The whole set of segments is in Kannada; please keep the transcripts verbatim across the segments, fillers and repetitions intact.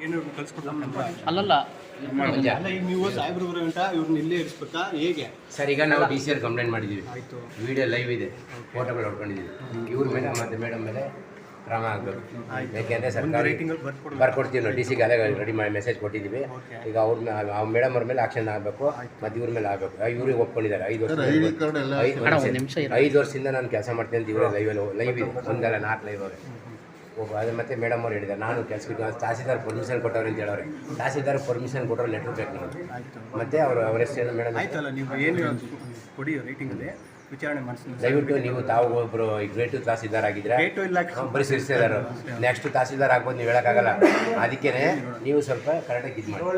ಏನು ಕಳ್ಸ್ಕೊಡ್ಬೇಕಂತ ಅಲ್ಲಲ್ಲ ಅಲ್ಲ ಈಗ ನೀವು ಸಾಹೇಬ್ರು ಗಂಟ ಇವ್ರನ್ನ ಇಲ್ಲೇ ಇರಿಸ್ಬೇಕಾ ಹೇಗೆ ಸರ್? ಈಗ ನಾವು ಡಿ ಸಿ ಆರ್ ಕಂಪ್ಲೇಂಟ್ ಮಾಡಿದ್ದೀವಿ, ಆಯಿತು, ವಿಡಿಯೋ ಲೈವ್ ಇದೆ, ಫೋಟೋಗಳು ಹೊಡ್ಕೊಂಡಿದ್ದೀವಿ. ಇವ್ರ ಮೇಲೆ ಮತ್ತು ಮೇಡಮ್ ಮೇಲೆ ಕ್ರಮ ಆಗಬೇಕು. ಯಾಕೆಂದರೆ ಸರ್ಕಾರ ರೇಟಿಂಗಲ್ಲಿ ಬರ್ಕೊಡ್ಬೇಕು. ಬರ್ಕೊಡ್ತೀವಿ ನಾವು ಡಿ ಸಿಗೆ ಅದೇ ರೆಡಿ ಮಾಡಿ ಮೆಸೇಜ್ ಕೊಟ್ಟಿದ್ದೀವಿ. ಈಗ ಅವ್ರ ಮೇಲೆ ಆ ಮೇಡಮ್ ಅವ್ರ ಮೇಲೆ ಆಕ್ಷನ್ ಆಗಬೇಕು ಮತ್ತು ಇವ್ರ ಮೇಲೆ ಆಗಬೇಕು. ಇವ್ರಿಗೆ ಒಪ್ಕೊಂಡಿದ್ದಾರೆ ಐದು ವರ್ಷ ಐದು ಐದು ವರ್ಷದಿಂದ ನಾನು ಕೆಲಸ ಮಾಡ್ತೀನಿ ಅಂತ ಇವರೇ ಲೈವಲ್ಲಿ ಲೈವ್ ಇದೆ, ಒಂದಲ್ಲ ನಾಲ್ಕು ಲೈವ್ ಅವ್ರೆ. ಒಬ್ಬ ಅದು ಮತ್ತು ಮೇಡಮ್ ಅವ್ರು ಹೇಳಿದ್ದಾರೆ ನಾನು ಕೆಲಸಕ್ಕೆ ತಹಸೀಲ್ದಾರ್ ಪರ್ಮಿಷನ್ ಕೊಟ್ಟವ್ರೆ ಅಂತ ಹೇಳೋರೆ. ತಹಸೀಲ್ದಾರ್ ಪರ್ಮಿಷನ್ ಕೊಟ್ಟರೆ ಲೆಟ್ರ್ ಬೇಕು ನಾವು. ಮತ್ತು ಅವರು ಅವ್ರ ಹೆಸರು ಮೇಡಮ್ ಆಯ್ತಲ್ಲ, ನೀವು ಏನು ಕೊಡಿ ರೇಟಿಂಗಲ್ಲಿ ವಿಚಾರಣೆ ಮಾಡಿಸಿ. ದಯವಿಟ್ಟು ನೀವು ತಾವು ಒಬ್ಬರು ಈಗ ಗ್ರೇಟು ತಹಸೀಲ್ದಾರ್ ಆಗಿದ್ರೆ ರೇಟು ಇಲ್ಲ ಬರೀ ಸಿರಿಸ್ತಿದ್ದಾರೆ. ನೆಕ್ಸ್ಟ್ ತಹಸೀಲ್ದಾರ್ ಆಗ್ಬೋದು, ನೀವು ಹೇಳೋಕ್ಕಾಗಲ್ಲ. ಅದಕ್ಕೇ ನೀವು ಸ್ವಲ್ಪ ಕರೆಕ್ಟಾಗಿ ಇದು ಮಾಡಿ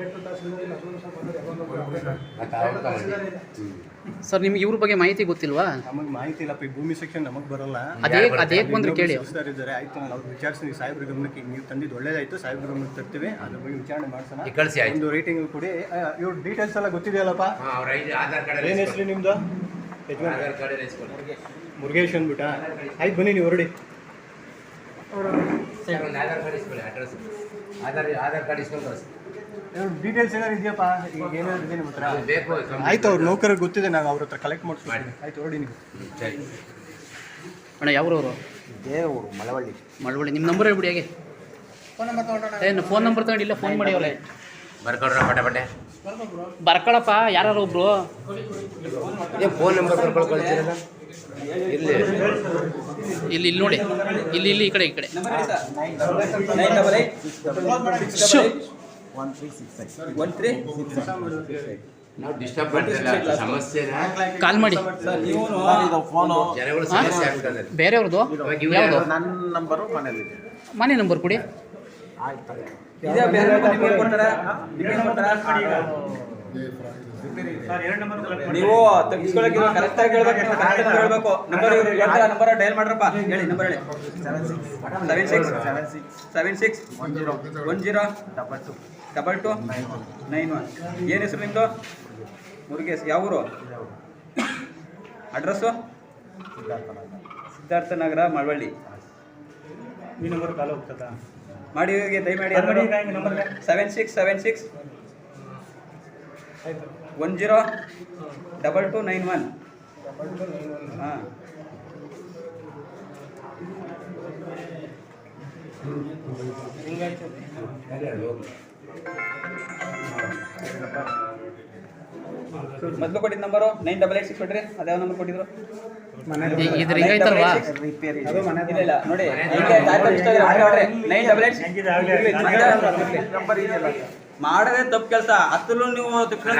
ಮತ್ತು ಅವ್ರು ತಗೊಂಡು. ಸರ್ ನಿಮ್ಗೆ ಇವ್ರ ಬಗ್ಗೆ ಮಾಹಿತಿ ಗೊತ್ತಿಲ್ವಾ? ನಮಗೆ ಮಾಹಿತಿ ಇಲ್ಲಪ್ಪ, ಈ ಭೂಮಿ ಸೆಕ್ಷನ್ ನಮಗೆ ಬರಲ್ಲ. ಅದೇ ಅದೇ ಬಂದ್ರೆ ಕೇಳಿ ಸರ್ ಇದ್ದಾರೆ, ಆಯ್ತು ನಾನು ಅವ್ರು ವಿಚಾರಿಸ್ತೀನಿ. ಸಾಹೇಬ್ರ ಗಮನಕ್ಕೆ ನೀವು ತಂದಿದ್ದು ಒಳ್ಳೇದಾಯ್ತು, ಸಾಹೇಬ್ರ ಗಮನಕ್ಕೆ ತರ್ತೀವಿ, ಅದ್ರ ಬಗ್ಗೆ ವಿಚಾರಣೆ ಮಾಡ್ಸೋಣ. ಕಳಿಸಿ ಆಯ್ತು. ಒಂದು ರೇಟಿಂಗ್ ಕೊಡಿ. ಇವ್ರ ಡೀಟೇಲ್ಸ್ ಎಲ್ಲ ಗೊತ್ತಿದೆಯಲ್ಲಪ್ಪ? ಅವ್ರ ಐದು ಆಧಾರ್ ಕಾರ್ಡ್ ಏನು ಹೆಸರು ನಿಮ್ಮದು? ಆಧಾರ್ ಕಾರ್ಡ್ ಮುರುಗೇಶ್ ಅಂದ್ಬಿಟ್ಟ. ಆಯ್ತು ಬನ್ನಿ ನೀವು ಹೊರಡಿ. ಒಂದು ಆಧಾರ್ ಕಾರ್ಡ್ ಇಸ್ಕೊಳ್ಳಿ, ಅಡ್ರೆಸ್ ಆಧಾರ್ ಆಧಾರ್ ಕಾರ್ಡ್ ಇಸ್ಕೊಂಡು ಕಳಿಸಿ. ಡೀಟೇಲ್ಸ್ ಏನಾದ್ರು ಇದೆಯಪ್ಪ? ಈಗ ಏನಾದ್ರು ಇದೆ ನಿಮ್ಮ ಹತ್ರ? ಬೇಕು. ಆಯ್ತು, ಅವ್ರ ನೌಕರಿಗೆ ಗೊತ್ತಿದೆ, ನಾವು ಅವ್ರ ಹತ್ರ ಕಲೆಕ್ಟ್ ಮಾಡ್ತೀವಿ. ಆಯ್ತು ಹೊರಡಿ ನೀವು. ಸರಿ ಅಣ್ಣ ಯಾವ್ರವರು? ದೇವರು ಮಳವಳ್ಳಿ. ಮಳವಳ್ಳಿ. ನಿಮ್ಮ ನಂಬರ್ ಹೇಳ್ಬಿಡಿ. ಹೇಗೆ ಏನು ಫೋನ್ ನಂಬರ್ ತಗೊಂಡಿಲ್ಲ, ಫೋನ್ ಮಾಡಿ ಅವರೇ ಬರ್ಕೊಡ್ರ ಪಟೆ ಪಟೆ ಬರ್ಕೊಳಪ್ಪ. ಯಾರು ಒಬ್ರು ನೀವು ಫೋನ್ ನಂಬರ್ ಬರ್ಕೊಂಡು ಕಳಿಸಿರಲ್ಲ ಇಲ್ಲಿ ಇಲ್ಲಿ ಇಲ್ಲಿ ನೋಡಿ, ಇಲ್ಲಿ ಇಲ್ಲಿ ಈ ಕಡೆ ಈ ಕಡೆ ನಾವು ಡಿಸ್ಟರ್ಬ್ ಮಾಡ್ತಿಲ್ಲ, ಸಮಸ್ಯೆ ಕಾಲ್ ಮಾಡಿ. ಜನಗಳು ಸಮಸ್ಯೆ ಆಗ್ತದೆ. ಬೇರೆಯವ್ರದ್ದು ಯಾವುದು? ನನ್ನ ನಂಬರು ಮನೇಲಿ ಮನೆ ನಂಬರ್ ಕೊಡಿ. ನೀವು ತೆಗಿಸ್ಕೊಳಕ್ಕೆ ಕರೆಕ್ಟ್ ಆಗಿ ಹೇಳ್ಬೇಕು, ಕರೆಕ್ಟ್ ಹೇಳ್ಬೇಕು. ನಂಬರ್ ನಂಬರ್ ಡಯಲ್ ಮಾಡ್ರಪ್ಪ, ಹೇಳಿ ನಂಬರ್ ಹೇಳಿ. Seven six seven six seven six one zero one zero double two double two nine one. ಏನು ಹೆಸರು ನಿಮ್ಮದು? ಮುರುಗೇಶ್. ಯಾವ ಊರು? ಅಡ್ರೆಸ್ಸು? ಸಿದ್ಧಾರ್ಥ ನಗರ, ಮಳವಳ್ಳಿ. ಈ ನಂಬರ್ ಕಾಲ ಹೋಗ್ತದಾ? ಮಾಡಿ ದಯಮಾಡಿ. Seven six seven six one zero double two nine one. ಹಾಂ ಮೊದಲು ಕೊಟ್ಟಿದ್ದ number nine double eight six ಕೊಟ್ರಿ. ಅದ್ಯಾವ ನಂಬರ್ ಕೊಟ್ಟಿದ್ರು? ಇದ್ರ ಹಿಂಗೈತಲ್ವಾ? ಇಲ್ಲ ಇಲ್ಲ ನೋಡಿ, ನೈನ್ ಡಬಲ್ ಏಟ್ ಮಾಡದೆ ತಪ್ಪು ಕೆಲಸ. ಅತ್ತಲ್ಲೂ ನೀವು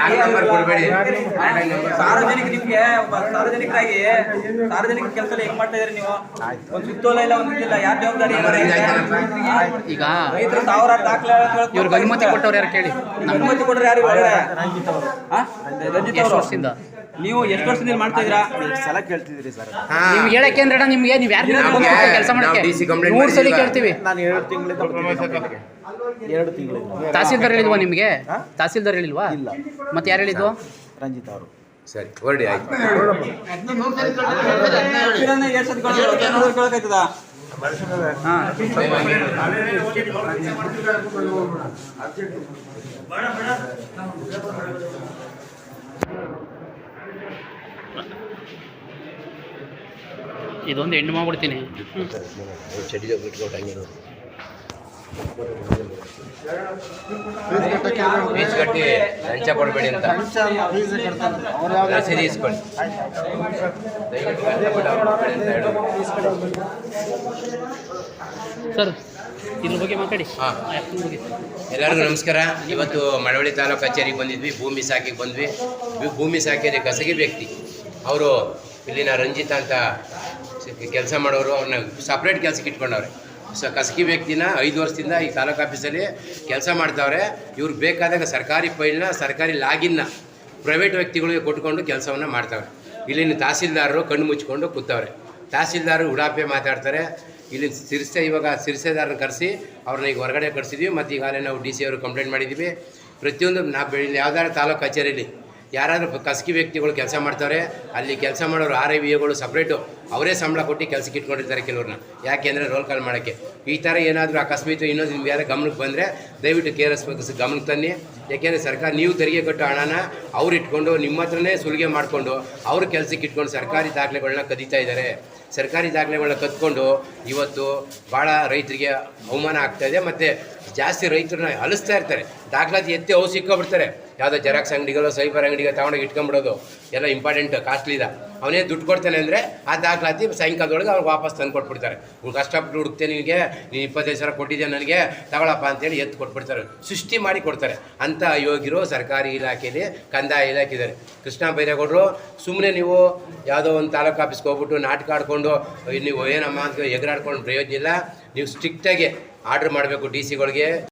ಸಾರ್ವಜನಿಕ ನಿಮ್ಗೆ ಸಾರ್ವಜನಿಕರಾಗಿ ಸಾರ್ವಜನಿಕ ಕೆಲಸ ಹೆಂಗ್ ಮಾಡ್ತಾ ಇದ್ರಿ ನೀವು? ಒಂದು ಸುತ್ತೋಲ ಇಲ್ಲ, ಒಂದಿಲ್ಲ, ಯಾರ ಜವಾಬ್ದಾರಿ? ಈಗ ರೈತರು ಸಾವಿರಾರು ದಾಖಲೆ ಇವ್ರಿಗೆ ಅನುಮತಿ ಕೊಟ್ಟವ್ರು ಯಾರು ಕೇಳಿ? ಅನುಮತಿ ಕೊಟ್ಟರು ಯಾರು? ರಂಜಿತ್ ಎಷ್ಟು ಅವರು. ವರ್ಷದಿಂದ ನೀವು ಎಷ್ಟು ವರ್ಷದಿಂದ ಮಾಡ್ತಾ ಇದ್ದೀರಾ? ಸಲ ಕೇಳ್ತಿದ್ರಿ ಸರ್. ನಿಮ್ಗೆ ಹೇಳಕ್ಕೆ ಅಂದ್ರೆ ನಿಮ್ಗೆ ನೀವು ಯಾರು ಕೆಲಸ ಮಾಡಕ್ಕೆ ಮೂರು ಸಲ ಕೇಳ್ತೀವಿ. ನಾನು ಎರಡು ತಿಂಗಳಿಂದ ಎರಡು ತಿಂಗಳಿಂದ ತಹಸೀಲ್ದಾರ್ ಹೇಳಿಲ್ವಾ ನಿಮಗೆ? ತಹಸೀಲ್ದಾರ್ ಹೇಳಿಲ್ವಾ? ಇಲ್ಲ. ಮತ್ತೆ ಯಾರು ಹೇಳಿದ್ವು? ರಂಜಿತ್ ಅವರು. ಸರಿ ಹೊರಡಿ ಆಯ್ತು. ಇದೊಂದು ಹೆಣ್ಣು ಮಾಡ್ಬಿಡ್ತೀನಿ. ಚಡಿ ಬಿಟ್ಕೊಟ್ಟು ಫೀಸ್ ಕಟ್ಟಿ ಲಂಚ ಕೊಡಬೇಡಿ ಅಂತ ರಸೀದಿ ಇಸ್ಕೊಳ್ಳಿ. ದಯವಿಟ್ಟು ಕಷ್ಟಪಟ್ಟು ಅವ್ರು ಕೊಡಬೇಡಿ ಅಂತ ಹೇಳಿ ಸರ್. ಇದ್ರ ಬಗ್ಗೆ ಮಾತಾಡಿ. ಹಾಂ, ಎಲ್ಲರಿಗೂ ನಮಸ್ಕಾರ. ಇವತ್ತು ಮಳವಳ್ಳಿ ತಾಲೂಕು ಕಚೇರಿಗೆ ಬಂದಿದ್ವಿ, ಭೂಮಿ ಸಾಕಿಗೆ ಬಂದ್ವಿ. ಭೂಮಿ ಸಾಕಿದ್ರೆ ಖಾಸಗಿ ವ್ಯಕ್ತಿ ಅವರು ಇಲ್ಲಿನ ರಂಜಿತ್ ಅಂತ ಕೆಲಸ ಮಾಡೋರು, ಅವ್ರನ್ನ ಸಪ್ರೇಟ್ ಕೆಲಸಕ್ಕೆ ಇಟ್ಕೊಂಡವ್ರೆ. ಸ ಖಾಸಗಿ ವ್ಯಕ್ತಿನ ಐದು ವರ್ಷದಿಂದ ಈ ತಾಲೂಕು ಆಫೀಸಲ್ಲಿ ಕೆಲಸ ಮಾಡ್ತಾವ್ರೆ. ಇವ್ರಿಗೆ ಬೇಕಾದಾಗ ಸರ್ಕಾರಿ ಫೈಲ್ನ ಸರ್ಕಾರಿ ಲಾಗಿನ್ನ ಪ್ರೈವೇಟ್ ವ್ಯಕ್ತಿಗಳಿಗೆ ಕೊಟ್ಕೊಂಡು ಕೆಲಸವನ್ನು ಮಾಡ್ತಾವ್ರೆ. ಇಲ್ಲಿನ ತಹಸೀಲ್ದಾರರು ಕಣ್ಣು ಮುಚ್ಕೊಂಡು ಕೂತವ್ರೆ. ತಹಸೀಲ್ದಾರರು ಉಡಾಪೆ ಮಾತಾಡ್ತಾರೆ. ಇಲ್ಲಿ ಸಿರ್ಸೆ ಇವಾಗ ಸಿರ್ಸೆದಾರನ ಕರೆಸಿ ಅವ್ರನ್ನ ಈಗ ಹೊರಗಡೆ ಕಳಿಸಿದ್ವಿ. ಮತ್ತು ಈಗಾಗಲೇ ನಾವು ಡಿ ಸಿ ಅವರು ಕಂಪ್ಲೇಂಟ್ ಮಾಡಿದ್ದೀವಿ. ಪ್ರತಿಯೊಂದು ನಾವು ಬೆಳಿ ಯಾವ್ದಾದ್ರು ತಾಲೂಕು ಕಚೇರಿಯಲ್ಲಿ ಯಾರಾದರೂ ಖಾಸಗಿ ವ್ಯಕ್ತಿಗಳು ಕೆಲಸ ಮಾಡ್ತಾರೆ, ಅಲ್ಲಿ ಕೆಲಸ ಮಾಡೋರು ಆರ್ ಐ ವಿ ಎಗಳು ಸಪ್ರೇಟು ಅವರೇ ಸಂಬಳ ಕೊಟ್ಟು ಕೆಲಸಕ್ಕೆ ಇಟ್ಕೊಂಡಿರ್ತಾರೆ ಕೆಲವ್ರನ್ನ. ಯಾಕೆಂದರೆ ರೋಲ್ ಕಾಲ್ ಮಾಡೋಕ್ಕೆ. ಈ ಥರ ಏನಾದರೂ ಅಕಸ್ಮಾತ್ ಇನ್ನೊಂದು ನಿಮ್ಗೆ ಯಾರು ಗಮನಕ್ಕೆ ಬಂದರೆ ದಯವಿಟ್ಟು ಕೆ ಆರ್ ಎಸ್ ಗಮನಕ್ಕೆ ತನ್ನಿ. ಯಾಕೆಂದರೆ ಸರ್ಕಾರ ನೀವು ತೆರಿಗೆ ಕಟ್ಟೋ ಹಣನ ಅವ್ರು ಇಟ್ಕೊಂಡು ನಿಮ್ಮ ಹತ್ರನೇ ಸುಲಿಗೆ ಮಾಡಿಕೊಂಡು ಅವ್ರ ಕೆಲಸಕ್ಕೆ ಇಟ್ಕೊಂಡು ಸರ್ಕಾರಿ ದಾಖಲೆಗಳನ್ನ ಕದೀತಾ ಇದ್ದಾರೆ. ಸರ್ಕಾರಿ ದಾಖಲೆಗಳನ್ನ ಕದ್ಕೊಂಡು ಇವತ್ತು ಭಾಳ ರೈತರಿಗೆ ಅವಮಾನ ಆಗ್ತಾಯಿದೆ. ಮತ್ತು ಜಾಸ್ತಿ ರೈತರನ್ನ ಅಲಿಸ್ತಾ ಇರ್ತಾರೆ. ದಾಖಲಾತಿ ಎತ್ತಿ ಅವು ಸಿಕ್ಕೊಬಿಡ್ತಾರೆ. ಯಾವುದೋ ಜೆರಾಕ್ಸ್ ಅಂಗಡಿಗಳು ಸೈಬರ್ ಅಂಗಡಿಗೆ ತಗೊಂಡೋಗಿ ಇಟ್ಕೊಂಡ್ಬಿಡೋದು ಎಲ್ಲ ಇಂಪಾರ್ಟೆಂಟ್ ಕಾಸ್ಟ್ಲಿದ. ಅವನೇ ದುಡ್ಡು ಕೊಡ್ತಾನೆ ಅಂದರೆ ಆ ದಾಖಲಾತಿ ಸಾಯಂಕಾಲದೊಳಗೆ ಅವ್ರಿಗೆ ವಾಪಸ್ ತಂದು ಕೊಟ್ಬಿಡ್ತಾರೆ. ಇವ್ರು ಕಷ್ಟಪಟ್ಟು ಹುಡುಕ್ತೇನೆ, ನಿನಗೆ ನೀನು ಇಪ್ಪತ್ತೈದು ಸಾವಿರ ಕೊಟ್ಟಿದ್ದೆ ನನಗೆ ತಗೊಳಪ್ಪ ಅಂತೇಳಿ ಎತ್ತು ಕೊಟ್ಬಿಡ್ತಾರೆ. ಸೃಷ್ಟಿ ಮಾಡಿ ಕೊಡ್ತಾರೆ. ಅಂಥ ಯೋಗಿರು ಸರ್ಕಾರಿ ಇಲಾಖೆಯಲ್ಲಿ ಕಂದಾಯ ಇಲಾಖೆ ಇದ್ದಾರೆ. ಕೃಷ್ಣ ಬೈರೇಗೌಡರು ಸುಮ್ಮನೆ ನೀವು ಯಾವುದೋ ಒಂದು ತಾಲೂಕು ಆಫೀಸ್ಗೆ ಹೋಗ್ಬಿಟ್ಟು ನಾಟಕ ಆಡ್ಕೊಂಡು ನೀವು ಏನಮ್ಮ ಅಂತ ಎಗರಾಡ್ಕೊಂಡು ಪ್ರಯೋಜನ ಇಲ್ಲ. ನೀವು ಸ್ಟ್ರಿಕ್ಟಾಗಿ ಆರ್ಡ್ರ್ ಮಾಡಬೇಕು ಡಿ ಸಿಗಳಿಗೆ.